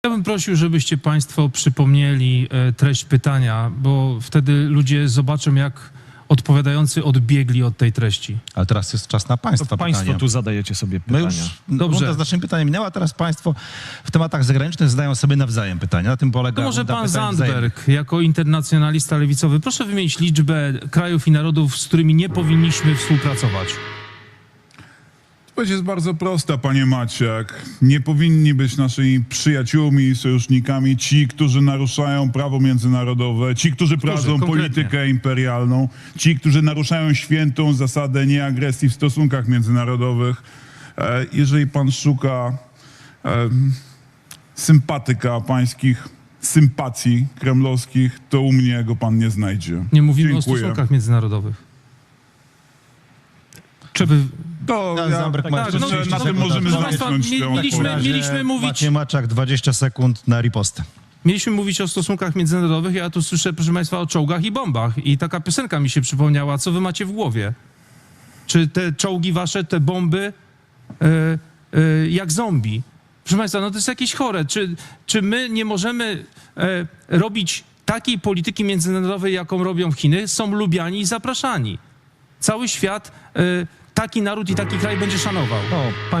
Ja bym prosił, żebyście państwo przypomnieli treść pytania, bo wtedy ludzie zobaczą, jak odpowiadający odbiegli od tej treści. Ale teraz jest czas na państwa To państwo pytania. tu zadajecie sobie My pytania. już Dobrze. runda z naszymi pytaniami minęła, teraz państwo w tematach zagranicznych zadają sobie nawzajem pytania. Na tym polega To może runda pan pytań Zandberg, jako internacjonalista lewicowy, proszę wymienić liczbę krajów i narodów, z którymi nie powinniśmy współpracować. Odpowiedź jest bardzo prosta, panie Maciak. Nie powinni być naszymi przyjaciółmi i sojusznikami ci, którzy naruszają prawo międzynarodowe, ci, którzy prowadzą konkretnie? politykę imperialną, ci, którzy naruszają świętą zasadę nieagresji w stosunkach międzynarodowych. Jeżeli pan szuka sympatyka pańskich sympatii kremlowskich, to u mnie go pan nie znajdzie. Nie mówimy Dziękuję. o stosunkach międzynarodowych. Czy wy... To Pan Zandberg ma tak, jeszcze no, 30 na tym sekund. możemy Proszę państwa, zamknąć tę mieliśmy- odpowiedź. mieliśmy mówić- Maciej Maczak, 20 sekund na ripostę. Mieliśmy mówić o stosunkach międzynarodowych, ja tu słyszę, proszę państwa, o czołgach i bombach. I taka piosenka mi się przypomniała. Co wy macie w głowie? Czy te czołgi wasze, te bomby, jak zombie? Proszę państwa, no to jest jakieś chore. Czy my nie możemy robić takiej polityki międzynarodowej, jaką robią Chiny? Są lubiani i zapraszani. Cały świat taki naród i taki kraj będzie szanował.